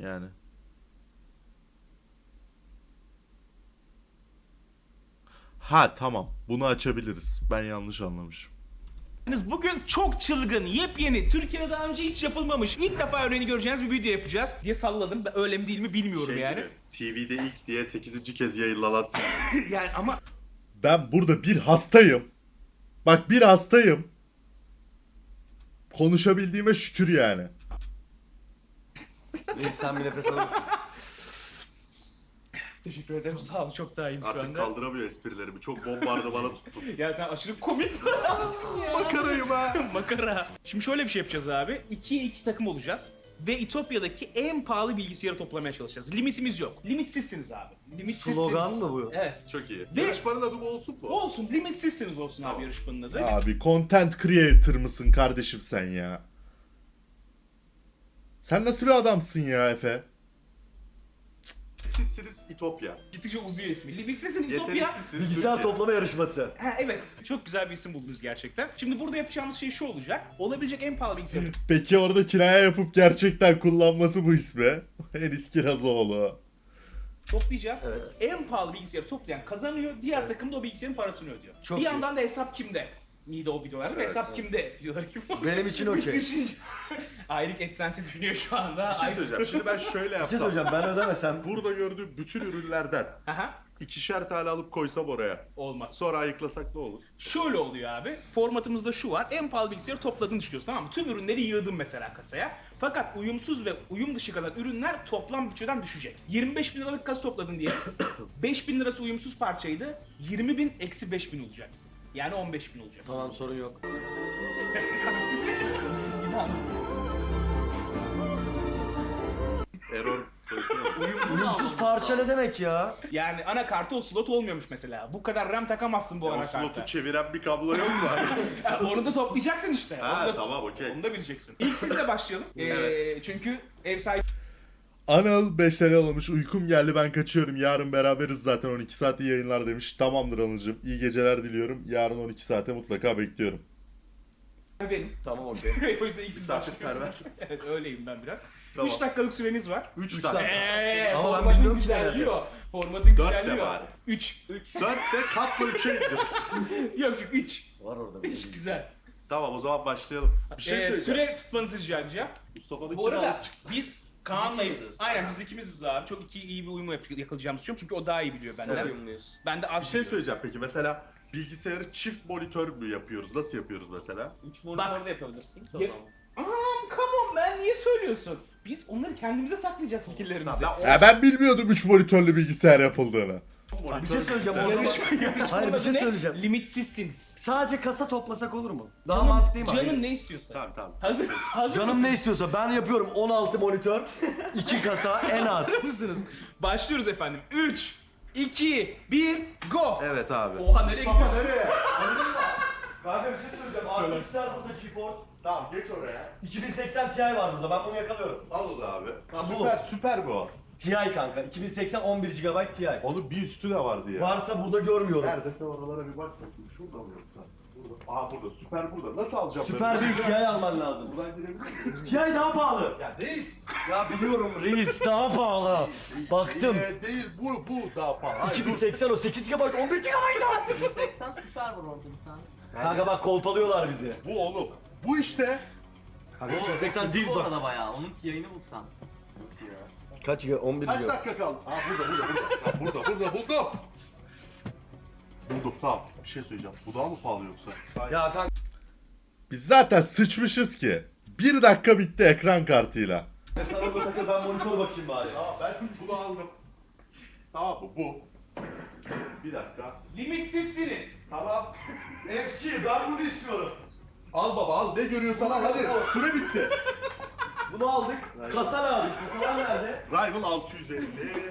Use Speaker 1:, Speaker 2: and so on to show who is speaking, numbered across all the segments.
Speaker 1: Yani. Ha tamam. Bunu açabiliriz. Ben yanlış anlamışım.
Speaker 2: Bugün çok çılgın, yepyeni, Türkiye'de daha önce hiç yapılmamış, ilk defa örneğini göreceğiniz bir video yapacağız diye salladım. Ben öyle mi değil mi bilmiyorum yani.
Speaker 1: Gibi, TV'de ilk diye 8. kez yayınlanan.
Speaker 2: Yani ama
Speaker 1: Ben burada bir hastayım. Bak bir hastayım. Konuşabildiğime şükür yani.
Speaker 3: Reis sen bir nefes alır mısın?
Speaker 2: teşekkür ederim, sağ ol, çok daha iyiyim şu
Speaker 1: Artık
Speaker 2: anda.
Speaker 1: kaldıramıyor esprilerimi. Çok bombardımana tuttum.
Speaker 2: Ya sen aşırı komik bir adamsın ya.
Speaker 1: Makarayım ha.
Speaker 2: Makara. Şimdi şöyle bir şey yapacağız abi. 2'ye 2 takım olacağız. Ve İtopya'daki en pahalı bilgisayarı toplamaya çalışacağız. Limitimiz yok. Limitsizsiniz abi. Limitsizsiniz.
Speaker 3: Slogan mı bu?
Speaker 2: Evet.
Speaker 1: Çok iyi.
Speaker 2: Ve-
Speaker 1: Yarışmanın adı bu olsun mu?
Speaker 2: Olsun, limitsizsiniz olsun abi yarışmanın adı.
Speaker 1: Abi content creator mısın kardeşim sen ya? Sen nasıl bir adamsın ya Efe? Sizsiniz İtopya.
Speaker 2: Gittikçe uzuyor ismi. Limitsizsin İtopya.
Speaker 1: Yeteneksizsiniz
Speaker 3: Bilgisayar
Speaker 1: Türkiye.
Speaker 3: toplama yarışması.
Speaker 2: Ha evet. Çok güzel bir isim buldunuz gerçekten. Şimdi burada yapacağımız şey şu olacak. Olabilecek en pahalı bilgisayarı
Speaker 1: Peki orada kiraya yapıp gerçekten kullanması bu ismi. Enis Kirazoğlu.
Speaker 2: toplayacağız.
Speaker 3: Evet.
Speaker 2: En pahalı bilgisayarı toplayan kazanıyor. Diğer takım da o bilgisayarın parasını ödüyor.
Speaker 3: Çok
Speaker 2: bir
Speaker 3: iyi.
Speaker 2: yandan da hesap kimde? Miydi o videolarda? Hesap kimde? Videoları gibi.
Speaker 3: Benim için okey.
Speaker 2: Düşünce. Aylık AdSense'i düşünüyor şu anda.
Speaker 1: Bir şey söyleyeceğim. Şimdi ben şöyle
Speaker 3: Bir şey
Speaker 1: yapsam.
Speaker 3: söyleyeceğim ben ödemesem.
Speaker 1: Burada gördüğüm bütün ürünlerden
Speaker 2: Aha.
Speaker 1: 2'şer tane alıp koysam oraya.
Speaker 2: Olmaz.
Speaker 1: Sonra ayıklasak ne olur?
Speaker 2: Şöyle oluyor abi. Formatımızda şu var. En pahalı bilgisayarı topladığını düşünüyorsun, tamam mı? Tüm ürünleri yığdın mesela kasaya. Fakat uyumsuz ve uyum dışı kalan ürünler toplam bütçeden düşecek. 25 bin liralık kasa topladın diye 5 bin lirası uyumsuz parçaydı. 20 bin eksi 5 bin olacaksın. Yani 15 bin olacak.
Speaker 3: Tamam sorun yok.
Speaker 1: Error koysana.
Speaker 3: Uyumsuz parça ne demek ya?
Speaker 2: Yani anakartı o slot olmuyormuş mesela. Bu kadar RAM takamazsın bu
Speaker 1: O
Speaker 2: anakarta.
Speaker 1: slotu çeviren bir kablo yok mu?
Speaker 2: Ya onu da toplayacaksın işte.
Speaker 1: Ha,
Speaker 2: Onu da,
Speaker 1: tamam, okey.
Speaker 2: Onu da bileceksin. İlk sizle başlayalım.
Speaker 1: Evet.
Speaker 2: Çünkü ev sahibi
Speaker 1: Anıl 5 TL almış. Uykum geldi, ben kaçıyorum. Yarın beraberiz zaten, 12 saati yayınlar demiş. Tamamdır Anıl'cığım. İyi geceler diliyorum. Yarın 12 saate mutlaka bekliyorum.
Speaker 2: benim.
Speaker 3: Tamam okey.
Speaker 2: O yüzden ilk siz
Speaker 1: Misafirperver.
Speaker 2: başlıyorsunuz. Evet öyleyim ben biraz.
Speaker 1: Tamam.
Speaker 2: 3 dakikalık süreniz var.
Speaker 1: 3
Speaker 3: Üç
Speaker 1: tane.
Speaker 3: dakika. Ama ben
Speaker 2: Formatın
Speaker 3: bilmiyorum ki
Speaker 2: güzelliyor. Formatın
Speaker 1: Dört de
Speaker 2: güzelliyor.
Speaker 1: bari.
Speaker 2: 3.
Speaker 1: 4 de katla 3'e indir.
Speaker 2: Yok 3.
Speaker 3: Var orada bir
Speaker 2: 3
Speaker 3: şey.
Speaker 2: güzel.
Speaker 1: Tamam, o zaman başlayalım. Bir şey söyleyeceğim.
Speaker 2: Süre tutmanızı rica edeceğim.
Speaker 1: Mustafa'nın
Speaker 2: Bu arada
Speaker 1: alıp çıksın.
Speaker 2: biz Kaan'layız.
Speaker 4: ikimiziz.
Speaker 2: Aynen biz ikimiziz abi. Çok iyi bir uyumu yakalayacağımızı düşünüyorum. Çünkü o daha iyi biliyor benden.
Speaker 4: Çok uyumluyuz.
Speaker 2: Ben de az
Speaker 1: Bir şey
Speaker 2: biliyorum.
Speaker 1: söyleyeceğim peki. Mesela bilgisayarı çift monitör mü yapıyoruz? Nasıl yapıyoruz mesela?
Speaker 4: 3 monitör de yapabilirsin ki o
Speaker 2: Ya-
Speaker 4: zaman.
Speaker 2: Come on man, niye söylüyorsun? Biz onları kendimize saklayacağız fikirlerimizi.
Speaker 1: Tamam, ben bilmiyordum 3 monitörlü bilgisayar yapıldığını.
Speaker 3: Bir şey söyleyeceğim o
Speaker 1: bilgisayar-
Speaker 3: zaman. Hayır bir şey
Speaker 2: Ne?
Speaker 3: söyleyeceğim.
Speaker 2: Limitsizsiniz.
Speaker 3: Sadece kasa toplasak olur mu? Daha mantıklı değil mi?
Speaker 2: Canın
Speaker 3: Hayır.
Speaker 2: ne istiyorsa.
Speaker 1: Tamam tamam.
Speaker 2: Hazır
Speaker 3: Canım
Speaker 2: mısınız?
Speaker 3: ne istiyorsa ben yapıyorum 16 monitör, 2 kasa en az.
Speaker 2: Hazır mısınız? Başlıyoruz efendim. 3, 2, 1, go!
Speaker 1: Evet abi.
Speaker 2: Oha nereye gidiyorsun?
Speaker 1: nereye?
Speaker 3: Kanka bir şey söyleyeceğim. RTX'ler burada GeForce.
Speaker 1: Tamam, geç oraya.
Speaker 3: 2080 Ti var burada. Ben bunu yakalıyorum.
Speaker 1: Al onu abi.
Speaker 3: Ha, bu.
Speaker 1: Süper bu.
Speaker 3: Ti kanka. 2080 11 GB Ti.
Speaker 1: Onun bir üstü de vardı ya.
Speaker 3: Varsa burada görmüyorum.
Speaker 1: Neredeyse oralara bir bak bakayım. Şurada mı yoksa? Burada. Aa burada. Süper burada. Nasıl alacağım?
Speaker 3: Süper
Speaker 1: ben?
Speaker 3: bir Ti alman lazım.
Speaker 1: Buradan girebilir miyim?
Speaker 3: Ti daha pahalı.
Speaker 1: Ya değil.
Speaker 3: Ya biliyorum reis daha pahalı. Baktım.
Speaker 1: Değil. Bu daha pahalı. Hayır,
Speaker 3: 2080 o 8 GB 11 GB.
Speaker 4: 180 süper var orada bir tane.
Speaker 3: Kanka bak kolpalıyorlar bizi.
Speaker 1: Bu oğlum. Bu işte.
Speaker 3: Kanka 2080 değil
Speaker 4: Bu
Speaker 3: bak.
Speaker 4: arada bayağı. Onun yayını bulsan.
Speaker 1: Nasıl ya?
Speaker 3: Kaç GB? 11
Speaker 1: Kaç
Speaker 3: GB.
Speaker 1: dakika kaldı? Aa burada. Tamam, burada buldum. Buldum, tamam. Bir şey söyleyeceğim. Bu daha mı pahalı yoksa?
Speaker 3: Ya kanka.
Speaker 1: Biz zaten sıçmışız ki. 1 dakika bitti ekran kartıyla.
Speaker 3: Sana bu takıl ben monitör bakayım bari.
Speaker 1: Tamam, ben bunu aldım. Tamam mı? Bu. Bir dakika.
Speaker 2: Limitsizsiniz.
Speaker 1: Tamam.
Speaker 3: FC ben bunu istiyorum.
Speaker 1: Al baba al. Ne görüyorsan al hadi. Süre bitti.
Speaker 3: Bunu aldık. Kasa lazım. Kasalar nerede?
Speaker 1: Rival 650.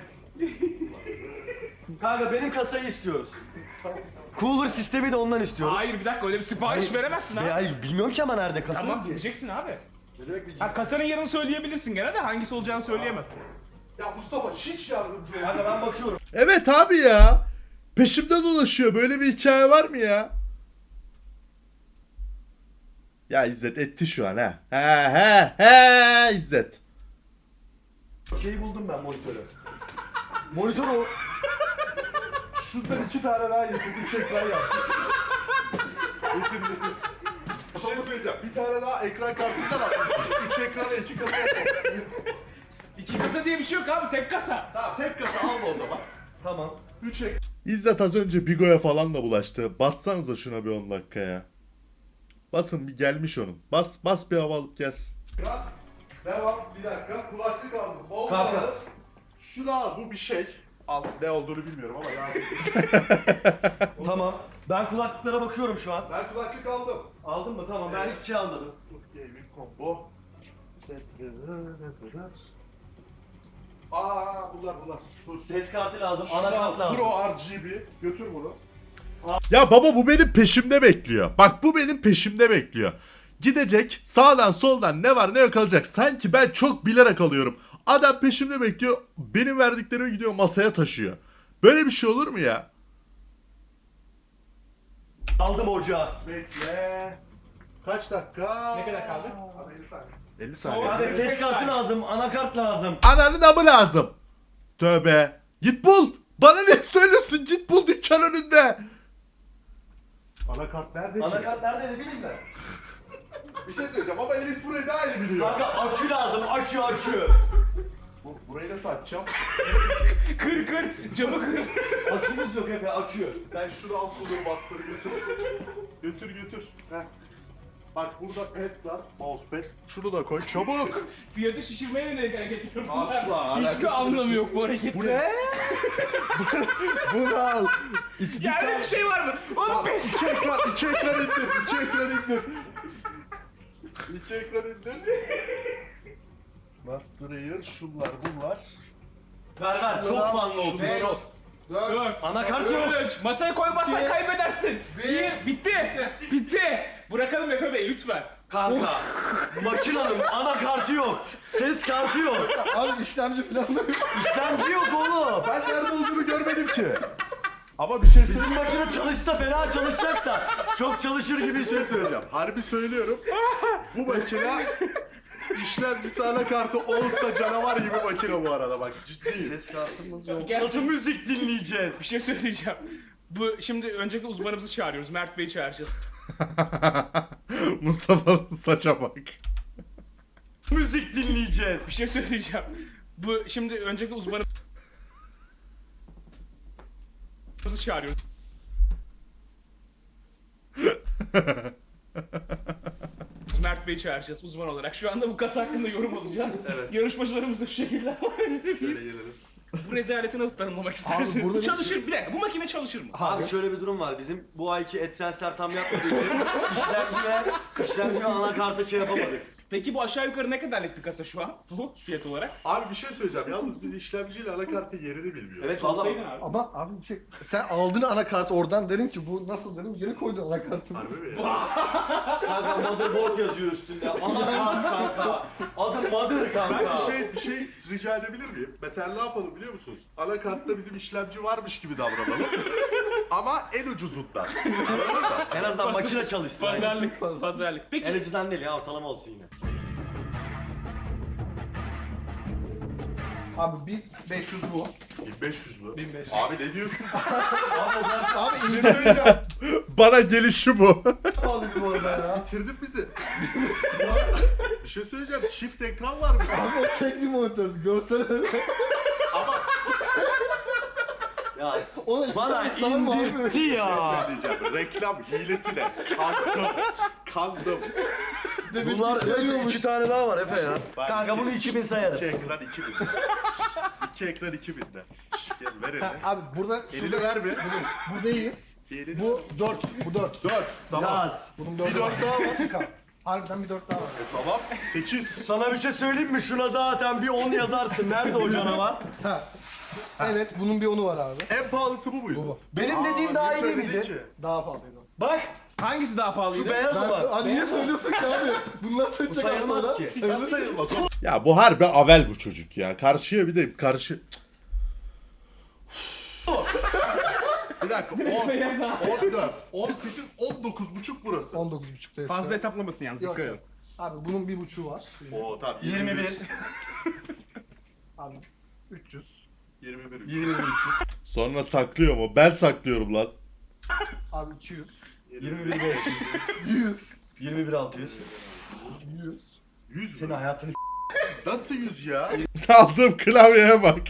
Speaker 3: Kanka benim kasayı istiyoruz. Cooler sistemi de ondan istiyoruz.
Speaker 2: Hayır bir dakika öyle bir sipariş veremezsin ha.
Speaker 3: Hayır bilmiyorum ki ama nerede kasa.
Speaker 2: Tamam bileceksin abi.
Speaker 3: Ne demek bir
Speaker 2: Ha kasanın yerini söyleyebilirsin gene de hangisi olacağını söyleyemezsin.
Speaker 1: Ya Mustafa hiç yardımcı ol.
Speaker 3: Kanka ben bakıyorum.
Speaker 1: Evet abi ya. Peşimde dolaşıyor. Böyle bir hikaye var mı ya? Ya İzzet etti şu an ha. He İzzet.
Speaker 3: şeyi buldum ben monitörü. Monitör o.
Speaker 1: Şuradan 2 tane daha getir. 3 ekran yap. Getir. Bir şey söyleyeceğim. Bir tane daha ekran kartından al. 3 ekrana 2 kasa yapalım.
Speaker 2: 2 kasa diye bir şey yok abi, tek kasa.
Speaker 1: Tamam tek kasa alma o zaman.
Speaker 3: Tamam.
Speaker 1: 3 ek. İzzet az önce Bigo'ya falan da bulaştı. Bassanıza şuna bir 10 dakikaya. Basın bir gelmiş onun. Bas bir hava alıp gelsin. Devam bir dakika. Kulaklık aldım.
Speaker 3: Kanka.
Speaker 1: Şunu al, bu bir şey. Al, ne olduğunu bilmiyorum ama yani.
Speaker 3: Tamam. Ben kulaklıklara bakıyorum şu an.
Speaker 1: Ben kulaklık aldım.
Speaker 3: Aldın mı? Tamam. Ben hiçbir şey almadım.
Speaker 1: Gaming combo. Bunlar. Dur.
Speaker 3: Ses kartı lazım.
Speaker 1: Şunu
Speaker 3: Anakart
Speaker 1: al,
Speaker 3: lazım.
Speaker 1: Pro RGB. Götür bunu. Ya baba bu benim peşimde bekliyor. Bak bu benim peşimde bekliyor. Gidecek sağdan soldan ne var ne yok alacak. Sanki ben çok bilerek alıyorum. Adam peşimde bekliyor. Benim verdiklerimi gidiyor masaya taşıyor. Böyle bir şey olur mu ya?
Speaker 3: Aldım ocağı.
Speaker 1: Bekle. Kaç dakika?
Speaker 2: Ne kadar kaldı?
Speaker 1: 50 saniye. 50
Speaker 2: Sonra-
Speaker 1: saniye.
Speaker 3: Abi ses kartı lazım. Anakart lazım.
Speaker 1: Ananın amı lazım. Tövbe. Git bul. Bana ne söylüyorsun? Git bul dükkan önünde. Anakart nerede ki?
Speaker 3: Anakart nerede ne bileyim ben.
Speaker 1: Bir şey söyleyeceğim ama Elis burayı daha iyi biliyor.
Speaker 3: Kanka akü lazım. Akü.
Speaker 1: Burayı nasıl açacağım?
Speaker 2: Kır camı kır.
Speaker 3: Akümüz yok Efe akü.
Speaker 1: Sen şunu al kulları bastır götür. Götür. Heh. Bak burada pad var, mousepad. Şunu da koy çabuk.
Speaker 2: Fiyatı şişirmeye yönelik hareket yapıyorum.
Speaker 1: Asla,
Speaker 2: Hiçbir
Speaker 1: alakası
Speaker 2: anlamı yok bu hareketin.
Speaker 1: Bu ne? Bunu al.
Speaker 2: Ya öyle bir şey var mı? Oğlum 5
Speaker 1: İki ekran indir. İki ekran indir. Master Air, şunlar bunlar.
Speaker 3: Ver çok fanlı olsun.
Speaker 1: Şunu
Speaker 3: Çok.
Speaker 2: 4.
Speaker 3: Anakart yok.
Speaker 2: 3. Masaya koymazsan kaybedersin. 1. Bitti. Bırakalım Efe Bey lütfen.
Speaker 3: Kanka. Makinanın anakartı yok. Ses kartı yok.
Speaker 5: Abi işlemci falan da yok.
Speaker 3: İşlemci yok oğlum.
Speaker 1: Ben nerede olduğunu görmedim ki. Ama bir şey
Speaker 3: Bizim makine çalışsa fena çalışacak da çok çalışır gibi
Speaker 1: Bir şey söyleyeceğim. Harbi söylüyorum. Bu makine işlemcisi anakartı olsa canavar gibi makine bu arada bak ciddiyim.
Speaker 3: Ses kartımız yok.
Speaker 2: Gerçi-
Speaker 3: Nasıl müzik dinleyeceğiz?
Speaker 2: Bir şey söyleyeceğim. Bu şimdi öncelikle uzmanımızı çağırıyoruz. Mert Bey'i çağıracağız.
Speaker 1: Mustafa'nın saça bak.
Speaker 3: Müzik dinleyeceğiz.
Speaker 2: Bir şey söyleyeceğim. Bu şimdi öncelikle uzmanımızı çağırıyoruz. Mert Bey'i çağıracağız uzman olarak. Şu anda bu kasa hakkında yorum alacağız. Yarışmacılarımız da şu şekilde
Speaker 1: Gelelim.
Speaker 2: Bu rezaleti nasıl tanımlamak istersiniz?
Speaker 5: burada
Speaker 2: Bu
Speaker 5: bir
Speaker 2: çalışır bir dakika. Bu makine çalışır mı?
Speaker 3: Abi şöyle bir durum var. Bizim bu ayki AdSense'ler tam yapmadığı için işlemci ve anakartı şey yapamadık.
Speaker 2: Peki bu aşağı yukarı ne kadarlık bir kasa şu an? Bu fiyat olarak.
Speaker 1: Abi bir şey söyleyeceğim. Yalnız biz işlemciyle anakartın yerini bilmiyoruz.
Speaker 3: Evet valla.
Speaker 2: Sorsaydın abi.
Speaker 5: Ama abi bir şey, sen aldın anakartı oradan dedim ki bu nasıl dedim geri koydun anakartı.
Speaker 1: Harbi mi ya?
Speaker 3: Kanka motherboard yazıyor üstünde. Anakart kanka. Adı mother
Speaker 1: Ben
Speaker 3: kanka.
Speaker 1: bir şey rica edebilir miyim? Mesela ne yapalım biliyor musunuz? Anakartta bizim işlemci varmış gibi davranalım. Ama en ucuzundan. Anladın mı?
Speaker 3: En azından makine çalışsın.
Speaker 2: Pazarlık.
Speaker 3: En
Speaker 2: Peki
Speaker 3: ucuzdan değil ya ortalama olsun yine.
Speaker 5: Abi 1500 bu.
Speaker 1: 1500 mü?
Speaker 5: 1500.
Speaker 1: Abi ne diyorsun?
Speaker 5: Abi
Speaker 1: Bir şey söyleyeceğim. Bana gelişi bu.
Speaker 5: pahalıydı bu arada ya.
Speaker 1: Bitirdin bizi. Bir şey söyleyeceğim. Çift ekran var mı?
Speaker 5: Abi o tek bir monitör. Görsel
Speaker 1: Ama
Speaker 3: Ya
Speaker 5: o da
Speaker 3: bana
Speaker 5: iki tane sarma abi.
Speaker 3: indirtti ya.
Speaker 1: söyleyeceğim. Reklam hilesi de. Kandım.
Speaker 5: Demek
Speaker 3: Bunlar
Speaker 5: ki şey
Speaker 3: neyse
Speaker 5: olmuş.
Speaker 3: 2 tane daha var Efe ya.
Speaker 1: Ben
Speaker 3: Kanka bunu 2000 sayarız.
Speaker 1: 2 ekran 2000. 2 ekran 2000'de. Gel ver elini.
Speaker 5: Abi burada
Speaker 1: Elini ver bir.
Speaker 5: buradayız.
Speaker 1: Elini
Speaker 5: Bu 4. Bu 4.
Speaker 1: 4. Tamam.
Speaker 3: Yaz.
Speaker 5: Bunun
Speaker 1: Bir
Speaker 5: 4
Speaker 1: 4 daha var.
Speaker 5: Çıkar. Harbiden bir 4 daha var.
Speaker 1: Tamam. 8.
Speaker 3: Sana bir şey söyleyeyim mi? Şuna zaten bir 10 yazarsın. Nerede o canavar?
Speaker 5: Ha. Evet bunun bir 10'u var abi.
Speaker 1: En pahalısı bu muydu?
Speaker 5: Bu.
Speaker 3: Benim dediğim daha iyi değil
Speaker 1: söyledin
Speaker 3: miydi?
Speaker 1: ki?
Speaker 5: Daha pahalıydı. o.
Speaker 3: Bak
Speaker 2: hangisi daha pahalıydı?
Speaker 3: şu beyaz
Speaker 5: Ben
Speaker 3: olan.
Speaker 5: Aa, niye söylüyorsun ki abi? Bunlar
Speaker 3: Bu
Speaker 5: seçecek
Speaker 3: sayılmaz
Speaker 5: aslında.
Speaker 3: ki.
Speaker 1: Nasıl sayılmaz? Ya bu harbi avel bu çocuk ya. Karşıya bir de karşı... Bir dakika 10,
Speaker 2: Beyaz abi.
Speaker 1: 14, 18, 19 buçuk burası.
Speaker 5: 19.5'ta.
Speaker 2: Fazla hesaplamasın yalnız
Speaker 5: Yok,
Speaker 2: dikkat
Speaker 5: yok.
Speaker 2: edin.
Speaker 5: Abi bunun bir buçuğu var.
Speaker 1: Oo tamam.
Speaker 3: 21.
Speaker 5: Abi 300.
Speaker 3: 21
Speaker 1: Sonra saklıyor mu? Ben saklıyorum lan.
Speaker 5: Abi 200.
Speaker 3: 21 500.
Speaker 5: 100.
Speaker 3: 21 600.
Speaker 5: 100.
Speaker 1: 100
Speaker 3: Senin
Speaker 1: mü?
Speaker 3: hayatını
Speaker 1: Nasıl 100 ya? Aldığım klavyeye bak.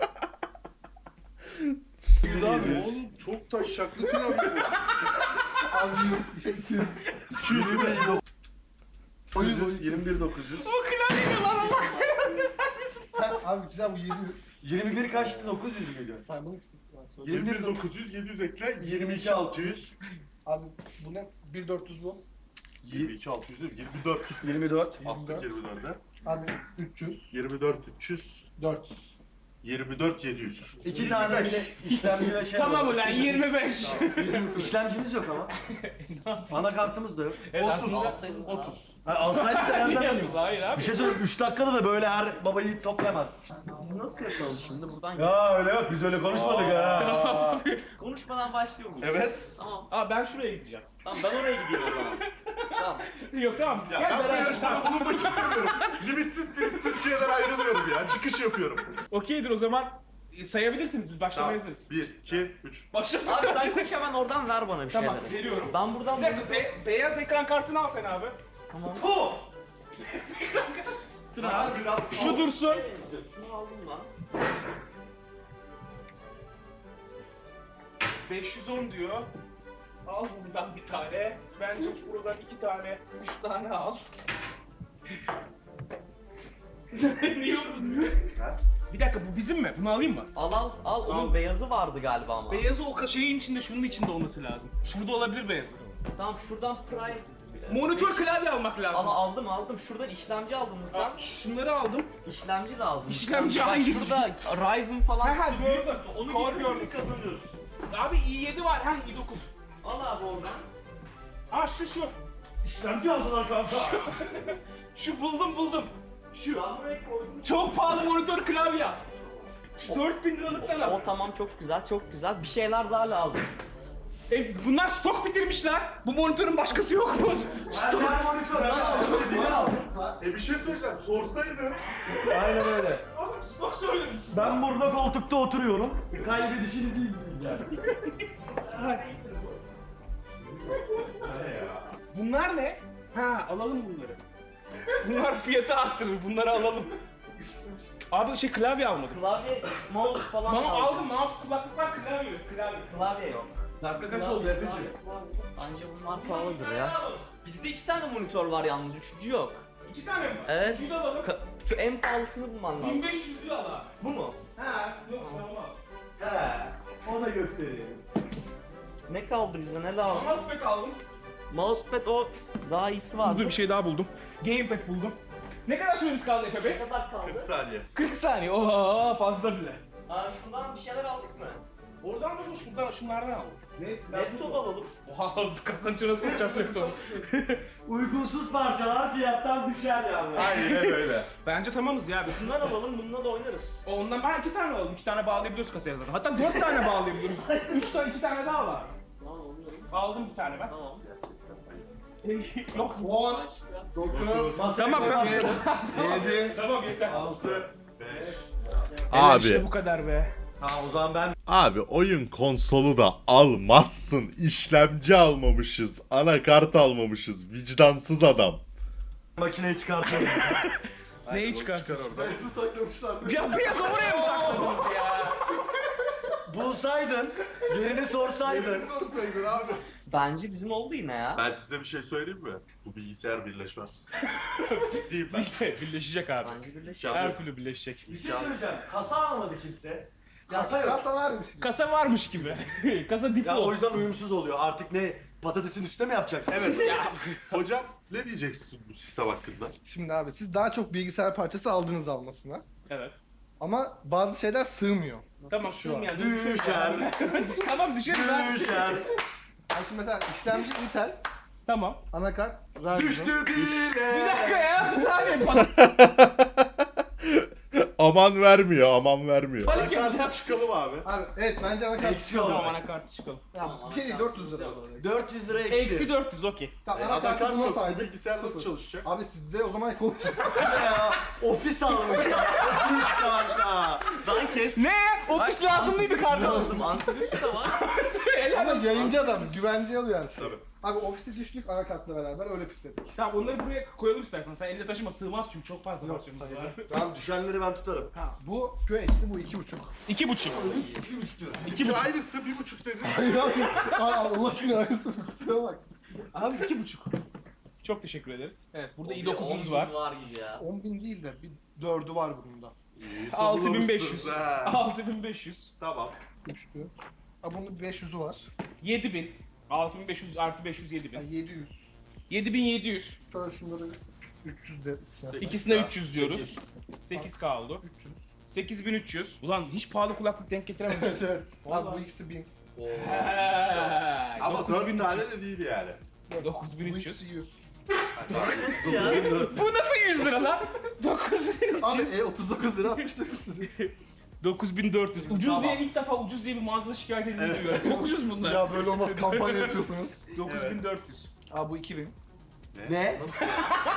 Speaker 3: 100 abi.
Speaker 1: Oğlum çok taşşaklı klavye bu.
Speaker 5: Abi 200.
Speaker 3: 21
Speaker 5: 900.
Speaker 3: 21 900.
Speaker 2: O klavye ne lan Allah?
Speaker 5: Abi güzel bu 700.
Speaker 3: 21 kaçtı? 900 müydü?
Speaker 5: Saymanın ikisi var.
Speaker 1: 21 900 700 ekle
Speaker 3: 22 600.
Speaker 5: Abi bu ne? 1400 bu.
Speaker 1: 22 600 değil mi? 24.
Speaker 3: 24.
Speaker 1: Attık 24'e.
Speaker 5: Abi 300.
Speaker 1: 24 300.
Speaker 5: 400.
Speaker 1: 24 700.
Speaker 3: 2 tane bile işlemci ve şey
Speaker 2: Tamam
Speaker 3: var.
Speaker 2: ulan 25.
Speaker 3: İşlemcimiz yok ama. Anakartımız da yok.
Speaker 2: Evet,
Speaker 1: 30.
Speaker 2: aslında-
Speaker 1: 30.
Speaker 3: Ha, alsaydık da nereden
Speaker 2: Yalnız,
Speaker 3: biliyoruz?
Speaker 2: hayır abi.
Speaker 3: Bir şey söyleyeyim 3 dakikada da böyle her babayı toplayamaz.
Speaker 4: Biz nasıl yapalım şimdi buradan?
Speaker 3: Ya öyle yok biz öyle konuşmadık ha.
Speaker 2: Tamam.
Speaker 4: Konuşmadan başlıyor muyuz?
Speaker 1: Evet.
Speaker 4: Tamam.
Speaker 2: Aa ben şuraya gideceğim.
Speaker 4: Tamam ben oraya gideyim o zaman. Tamam.
Speaker 2: Yok tamam.
Speaker 1: Ya
Speaker 2: Gel
Speaker 1: ben bu
Speaker 2: beraber.
Speaker 1: yarışmada bulunmak istemiyorum. Limitsiz siz Türkiye'den ayrılıyorum ya. Çıkış yapıyorum.
Speaker 2: Okeydir o zaman. Sayabilirsiniz biz başlamaya
Speaker 1: Tamam.
Speaker 2: hazırız.
Speaker 1: 1 2 3.
Speaker 2: Başladık.
Speaker 4: Abi sen koş hemen oradan ver bana bir şeyleri.
Speaker 2: Tamam veriyorum.
Speaker 4: Ben buradan
Speaker 2: Bir dakika beyaz ekran kartını al sen abi.
Speaker 4: Tamam.
Speaker 2: Bu. Dur abi. Şu dursun.
Speaker 4: Şunu aldım lan.
Speaker 2: 510 diyor. Al buradan bir tane. Bence buradan 2 tane, 3 tane al. Niye vurdun? Bir dakika bu bizim mi? Bunu alayım mı?
Speaker 4: Al. Onun
Speaker 2: Al.
Speaker 4: beyazı vardı galiba ama.
Speaker 2: Beyazı o şeyin içinde, şunun içinde olması lazım. Şurada olabilir beyazı.
Speaker 4: Tamam şuradan Prime.
Speaker 2: Monitör klavye almak lazım.
Speaker 4: Ama aldım. Şuradan işlemci aldın mı sen?
Speaker 2: Aa, şunları aldım.
Speaker 4: İşlemci lazım.
Speaker 2: İşlemci
Speaker 4: Bak
Speaker 2: hangisi?
Speaker 4: şurada Ryzen falan.
Speaker 2: Ha,
Speaker 4: kutu
Speaker 2: gördüm.
Speaker 4: büyük kutu. Onu
Speaker 2: Core
Speaker 4: getirip
Speaker 2: gördüm.
Speaker 4: kazanıyoruz.
Speaker 2: Abi i7 var, ha i9.
Speaker 4: Al abi oradan.
Speaker 2: Aa şu.
Speaker 3: İşlemci aldılar kanka.
Speaker 2: Şu buldum.
Speaker 4: Şu. Ben buraya koydum.
Speaker 2: Çok pahalı monitör klavye. Şu 4000 liralıktan al.
Speaker 4: O tamam çok güzel. Bir şeyler daha lazım.
Speaker 2: Bunlar stok bitirmişler. Bu monitörün başkası yok mu? Stok.
Speaker 1: Bir şey söyleyeceğim. Sorsaydın.
Speaker 3: Aynen öyle.
Speaker 2: Oğlum stok söylemiş.
Speaker 3: Ben burada koltukta oturuyorum. Kaybedişinizi izleyeceğim.
Speaker 2: Bunlar ne? Ha alalım bunları. Bunlar fiyatı arttırır. Bunları alalım. Abi klavye almadım.
Speaker 4: Klavye, mouse falan lazım.
Speaker 2: Aldım mouse, kulaklıklar, klavye.
Speaker 4: Klavye yok.
Speaker 5: Dakika kaç oldu Efe'ciğim?
Speaker 4: Bence bunlar pahalıdır ya. Bizde 2 tane monitör var yalnız, üçüncü yok.
Speaker 2: 2 tane mi var?
Speaker 4: Evet.
Speaker 2: Üçüncü de alalım.
Speaker 4: Şu en pahalısını bulman lazım.
Speaker 2: 1500 lira al abi.
Speaker 4: Bu mu?
Speaker 2: Ha yok tamam.
Speaker 3: He. O da göstereyim.
Speaker 4: Ne kaldı bize, ne lazım?
Speaker 2: Mousepad aldım.
Speaker 4: Mousepad o daha iyisi var.
Speaker 2: Dur bir şey daha buldum. Gamepad buldum. Ne kadar süremiz kaldı Efe Bey?
Speaker 4: Ne kadar kaldı?
Speaker 1: 40 saniye.
Speaker 2: 40 saniye. Oha fazla bile.
Speaker 4: Aa, şuradan bir şeyler aldık mı?
Speaker 2: Oradan da şuradan şunlardan aldım. Ne?
Speaker 4: Laptop alalım.
Speaker 2: Oha kasanın içine sokacağım laptopu.
Speaker 3: Uygunsuz parçalar fiyattan düşer yani.
Speaker 1: Aynen öyle.
Speaker 2: Bence tamamız ya biz.
Speaker 4: Bundan alalım, bununla da oynarız.
Speaker 2: Ondan ben 2 tane aldım. 2 tane bağlayabiliyoruz kasaya zaten. Hatta 4 tane bağlayabiliyoruz. 3 tane 2 tane daha var.
Speaker 4: Tamam, oynuyorum.
Speaker 2: Aldım bir tane ben.
Speaker 4: Tamam.
Speaker 2: Yok.
Speaker 5: 10, 9,
Speaker 2: Tamam tamam.
Speaker 5: 7,
Speaker 2: Tamam yeter.
Speaker 5: 6,
Speaker 1: 5.
Speaker 2: Evet, işte
Speaker 1: Abi.
Speaker 2: bu kadar be.
Speaker 3: Tamam o zaman ben
Speaker 1: Abi oyun konsolu da almazsın. İşlemci almamışız. Anakart almamışız. Vicdansız adam.
Speaker 3: makineyi çıkartıyorum.
Speaker 2: Neyi çıkartıyorsun?
Speaker 5: Beyazı saklamışlar.
Speaker 2: Ya biraz oraya mı sakladınız ya?
Speaker 3: Bulsaydın, yerini sorsaydın.
Speaker 5: sorsaydın abi.
Speaker 4: Bence bizim oldu yine ya.
Speaker 1: Ben size bir şey söyleyeyim mi? Bu bilgisayar birleşmez. Ciddiyim ben.
Speaker 2: Birleşecek abi.
Speaker 4: Bence birleşik.
Speaker 1: Ya-
Speaker 2: Her türlü birleşecek.
Speaker 3: Bir şey söyleyeceğim. Kasa almadı kimse. Kasa yok.
Speaker 5: Kasa varmış.
Speaker 2: Kasa varmış gibi. Kasa
Speaker 3: Ya o
Speaker 2: default.
Speaker 3: yüzden uyumsuz oluyor. Artık ne patatesin üstüne mi yapacaksın?
Speaker 1: Evet. Hocam ne diyeceksin bu sistem hakkında?
Speaker 5: Şimdi abi siz daha çok bilgisayar parçası aldınız almasına.
Speaker 2: Evet.
Speaker 5: Ama bazı şeyler sığmıyor.
Speaker 2: Tamam
Speaker 5: şu an?
Speaker 2: yani.
Speaker 3: Düşer.
Speaker 2: Tamam düşeriz ha.
Speaker 3: Düşer.
Speaker 5: Yani şimdi mesela işlemci Intel,
Speaker 2: Tamam.
Speaker 5: anakart Ryzen.
Speaker 3: Düştü bile.
Speaker 2: Bir dakika ya bir saniye.
Speaker 1: Aman vermiyor, aman vermiyor.
Speaker 2: Panik yapacağım.
Speaker 1: Çıkalım abi.
Speaker 5: Abi evet bence anakart.
Speaker 3: Eksik oldu.
Speaker 2: Tamam anakartı çıkalım.
Speaker 5: Ya, bir şey değil 400 lira.
Speaker 3: 400 lira eksi.
Speaker 2: Eksi 400 okey.
Speaker 5: Tamam anakartı
Speaker 1: Anakart
Speaker 5: buna
Speaker 1: yok. Bu
Speaker 5: saydık.
Speaker 1: bilgisayar nasıl
Speaker 5: Sıfır.
Speaker 1: çalışacak?
Speaker 5: Abi size o zaman konuş.
Speaker 3: Ya, ofis almışlar. Ofis kanka.
Speaker 4: Lan kes.
Speaker 2: Ne? Ofis lazım değil mi kardeşim?
Speaker 4: Aldım. Antivirüs de var.
Speaker 5: Ama yayıncı adam güvence alıyor yani.
Speaker 1: Tabii.
Speaker 5: Abi ofiste düştük anakartla beraber öyle fikrettik.
Speaker 2: Tamam onları buraya koyalım istersen. Sen elinde taşıma, sığmaz çünkü çok fazla
Speaker 5: Yok,
Speaker 2: parçamız
Speaker 5: sayılır.
Speaker 2: var.
Speaker 3: Tamam düşenleri ben tutarım.
Speaker 5: Ha bu QHD bu 2.5.
Speaker 2: 2,5.
Speaker 1: İki aynısı 1,5 dedi.
Speaker 5: Hayır abi. Allah aşkına aynısı kutuya bak.
Speaker 2: Abi 2,5. Çok teşekkür ederiz. Evet burada
Speaker 4: Bir
Speaker 2: i9'umuz
Speaker 4: 10.000
Speaker 2: var.
Speaker 4: var gibi ya.
Speaker 5: 10.000 değil de bir 4'ü var bunun da.
Speaker 1: İyi,
Speaker 2: 6500.
Speaker 1: savunmuşsunuz ha.
Speaker 2: 6500.
Speaker 1: Tamam.
Speaker 5: Üçlü. Ha bunun 500'ü var.
Speaker 2: 7000. 6500 artı 500 7000.
Speaker 5: Yani 700.
Speaker 2: 7700.
Speaker 5: Şöyle şunları 300 de.
Speaker 2: İkisine 300 diyoruz. 8K oldu.
Speaker 5: 300.
Speaker 2: 8300. Ulan hiç pahalı kulaklık denk getiremedim.
Speaker 5: Evet evet. Abi
Speaker 2: Vallahi.
Speaker 5: bu ikisi 1000.
Speaker 1: Ama 4 tane
Speaker 2: 9300.
Speaker 1: de değil yani.
Speaker 5: Bu
Speaker 2: 9300.
Speaker 5: ikisi 100.
Speaker 4: Nasıl ya?
Speaker 2: Bu nasıl 100 lira lan? 9300.
Speaker 5: Abi 39 lira 69 lira.
Speaker 2: 9400. Ucuz
Speaker 1: Tamam.
Speaker 2: diye ilk defa ucuz diye bir mağazada şikayet edildiğini duyuyorum. Çok ucuz bunlar.
Speaker 5: Ya böyle olmaz kampanya yapıyorsunuz.
Speaker 2: 9400.
Speaker 5: Abi bu 2000.
Speaker 3: Ne?
Speaker 4: Nasıl?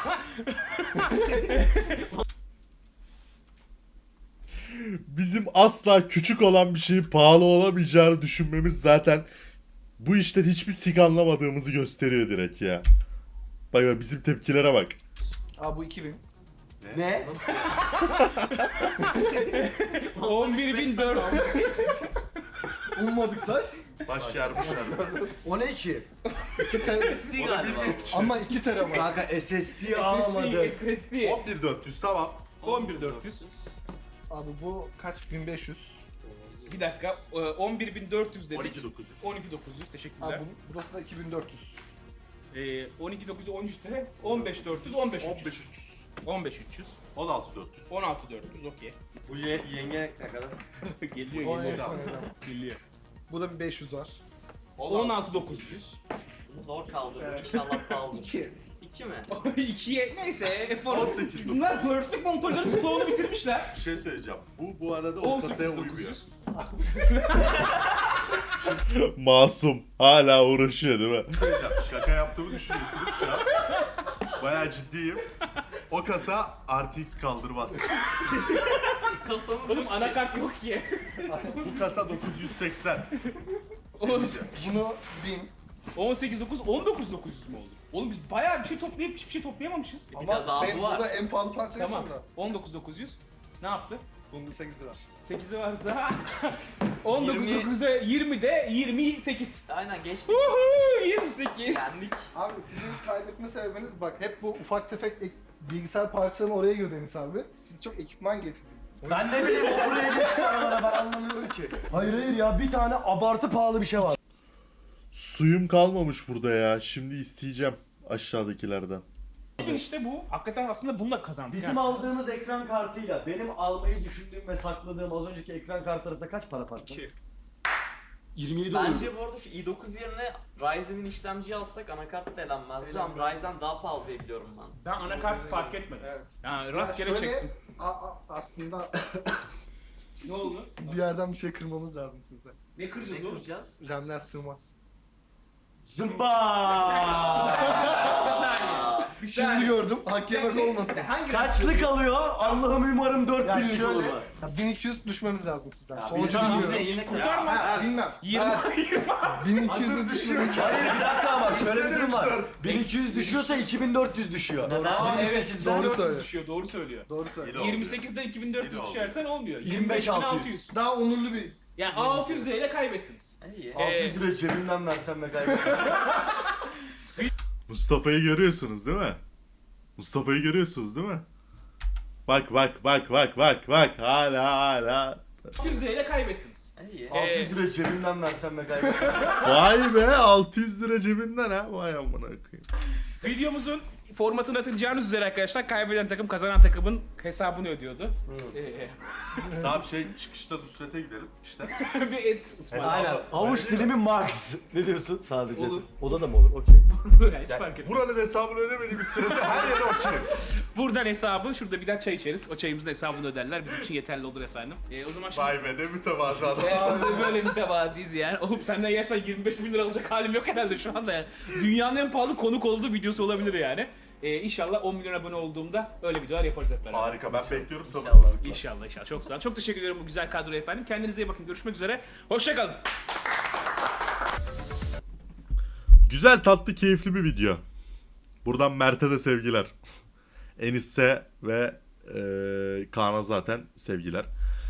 Speaker 1: Bizim asla küçük olan bir şeyin pahalı olamayacağını düşünmemiz zaten bu işten hiçbir sik anlamadığımızı gösteriyor direkt ya. Bak bak bizim tepkilere bak.
Speaker 5: Abi bu 2000.
Speaker 3: Ne?
Speaker 4: Nasıl?
Speaker 2: 11400.
Speaker 5: Ummadık taş.
Speaker 1: Baş yarmışlar.
Speaker 3: O ne ki?
Speaker 5: 2 tera.
Speaker 4: SSD galiba.
Speaker 5: Ama 2 tera var.
Speaker 3: Kanka SSD
Speaker 2: SSD,
Speaker 3: alamadık.
Speaker 2: SSD.
Speaker 1: 11400 tamam.
Speaker 2: 11400.
Speaker 5: Abi bu kaç? 1500.
Speaker 2: Bir dakika. 11400 dedik.
Speaker 1: 12900.
Speaker 2: 12900 teşekkürler.
Speaker 5: Abi burası da 2400.
Speaker 2: 12900 13 lira. 15400 15300.
Speaker 1: 15300.
Speaker 2: 15300.
Speaker 1: 16400.
Speaker 2: 16400 okey.
Speaker 3: Bu yenge ne kadar?
Speaker 2: Geliyor
Speaker 5: O
Speaker 2: geliyor.
Speaker 5: neyse, neyse.
Speaker 2: Geliyor.
Speaker 5: Bu da bir 500 var.
Speaker 2: 16900.
Speaker 4: Bunu zor kaldırdım. İnşallah kaldım.
Speaker 5: 2.
Speaker 4: 2 mi?
Speaker 2: 2'ye neyse efor.
Speaker 1: 18.900.
Speaker 2: Bunlar dörtlük monitörleri stoğunu bitirmişler.
Speaker 1: Bir şey söyleyeceğim. Bu arada o kasaya uymuyor.
Speaker 2: 18900.
Speaker 1: Masum. Hala uğraşıyor değil mi? Söyleyeceğim. Şaka yaptığımı düşünüyorsunuz şu an. Bayağı ciddiyim. O kasa RTX kaldırmaz.
Speaker 4: Kasamız
Speaker 2: Oğlum anakart yok ki.
Speaker 1: Bu kasa 980.
Speaker 5: Bunu 1000.
Speaker 2: 18900 19900 mu oldu? Oğlum biz bayağı bir şey toplayıp hiçbir şey toplayamamışız.
Speaker 5: Ama
Speaker 4: daha
Speaker 5: sen
Speaker 4: bu var.
Speaker 5: burada en pahalı parçayı
Speaker 2: Tamam.
Speaker 5: sonra.
Speaker 2: 19900. Ne yaptı?
Speaker 5: Bunda 8'i var.
Speaker 2: 8'i varsa 19900'e 20'de 28.
Speaker 4: Aynen geçtik.
Speaker 2: Uhu 28.
Speaker 4: Yendik.
Speaker 5: Abi sizin kaybetme sebebiniz bak hep bu ufak tefek bilgisayar parçalarının oraya girdi Enis abi. Siz çok ekipman geçtiniz.
Speaker 3: Ben ne bileyim o buraya geçti aralara ben anlamıyorum ki. Hayır hayır ya bir tane abartı pahalı bir şey var.
Speaker 1: Suyum kalmamış burada ya. Şimdi isteyeceğim aşağıdakilerden.
Speaker 2: İşte bu. Hakikaten aslında bununla kazandık.
Speaker 3: Bizim
Speaker 2: yani.
Speaker 3: aldığımız ekran kartıyla benim almayı düşündüğüm ve sakladığım az önceki ekran kartı arasında kaç para farklı?
Speaker 5: 2.
Speaker 3: 27
Speaker 4: Bence bu arada şu i9 yerine Ryzen'in işlemciyi alsak anakart da elenmezdi ama
Speaker 5: Elenmez.
Speaker 4: Ryzen daha pahalı diye biliyorum ben.
Speaker 2: Ben anakartı fark etmedim.
Speaker 5: Evet.
Speaker 2: Yani
Speaker 5: Ya
Speaker 2: rastgele
Speaker 5: şöyle,
Speaker 2: çektim.
Speaker 5: aslında
Speaker 2: Ne oldu?
Speaker 5: bir yerden bir şey kırmamız lazım sizde.
Speaker 2: Ne kıracağız
Speaker 4: Ne
Speaker 2: oğlum?
Speaker 4: kuracağız?
Speaker 5: RAM'ler sığmaz.
Speaker 3: Zımba!
Speaker 2: Bir saniye. Bir
Speaker 5: Şimdi
Speaker 2: saniye.
Speaker 5: gördüm. Hak yemek
Speaker 2: Neyse,
Speaker 5: olmasın.
Speaker 2: Hangi
Speaker 3: Kaçlık alıyor? Allah'ım umarım
Speaker 5: Ya
Speaker 3: 4000'lik olur.
Speaker 5: şöyle, ya 1200 düşmemiz lazım sizden.
Speaker 3: Ya
Speaker 5: Sonucu
Speaker 3: tamam,
Speaker 5: bilmiyorum.
Speaker 4: Yine
Speaker 2: Kurtarmaz.
Speaker 5: Ha, bilmem.
Speaker 2: 20.
Speaker 5: 1200'ü düşmemiz lazım.
Speaker 3: Hayır bir dakika ama şöyle bir durum var.
Speaker 1: Hissediyorum.
Speaker 3: 1200 düşüyorsa 2400 düşüyor.
Speaker 5: Doğru.
Speaker 2: Aa, evet,
Speaker 3: 28'den
Speaker 5: doğru
Speaker 2: 400
Speaker 5: söylüyor.
Speaker 2: düşüyor, doğru söylüyor.
Speaker 5: Doğru söyle.
Speaker 1: Yine oldu.
Speaker 2: 28'den 2400
Speaker 1: Yine oldu.
Speaker 2: düşersen olmuyor.
Speaker 3: 25.600.
Speaker 5: Daha onurlu bir...
Speaker 2: Yani 600 lirayla kaybettiniz.
Speaker 4: İyi.
Speaker 3: 600 lira cebimden versem ve kaybederim.
Speaker 1: Mustafa'yı görüyorsunuz değil mi? Mustafa'yı görüyorsunuz değil mi? Bak bak bak bak bak bak hala.
Speaker 2: 600 lirayla kaybettiniz.
Speaker 4: İyi.
Speaker 3: 600 lira cebimden versem ve kaybederim.
Speaker 1: Vay be 600 lira cebinden ha. Vay amına koyayım.
Speaker 2: Videomuzun formatını hatırlayacağınız üzere arkadaşlar kaybeden takım kazanan takımın hesabını ödüyordu.
Speaker 1: Tamam çıkışta Nusret'e gidelim işte.
Speaker 2: Bir et ısmarladı.
Speaker 3: Aynen. Havuç dilimi max. Ne diyorsun sadece?
Speaker 2: Olur.
Speaker 3: Oda da mı olur? Okey.
Speaker 2: Hiç fark etmez.
Speaker 1: Buranın hesabını ödemediğimiz sürece her yere okey.
Speaker 2: Buradan hesabı, şurada bir daha çay içeriz. O çayımızın hesabını öderler. Bizim için yeterli olur efendim. O zaman şimdi...
Speaker 1: Vay be ne mütevazı adam.
Speaker 2: Böyle mütevaziyiz yani. Oğlum senden gerçekten 25 bin lira alacak halim yok herhalde şu anda yani. Dünyanın en pahalı konuk olduğu videosu olabilir yani. İnşallah 10 milyon abone olduğumda öyle videolar yaparız hep beraber.
Speaker 1: Harika, ben bekliyorum sabırsızlıkla.
Speaker 2: İnşallah inşallah. Çok sağ olun. Çok teşekkür ederim bu güzel kadroya efendim. Kendinize iyi bakın. Görüşmek üzere. Hoşçakalın.
Speaker 1: Güzel, tatlı, keyifli bir video. Buradan Mert'e de sevgiler. Enis'e ve Kaan'a zaten sevgiler.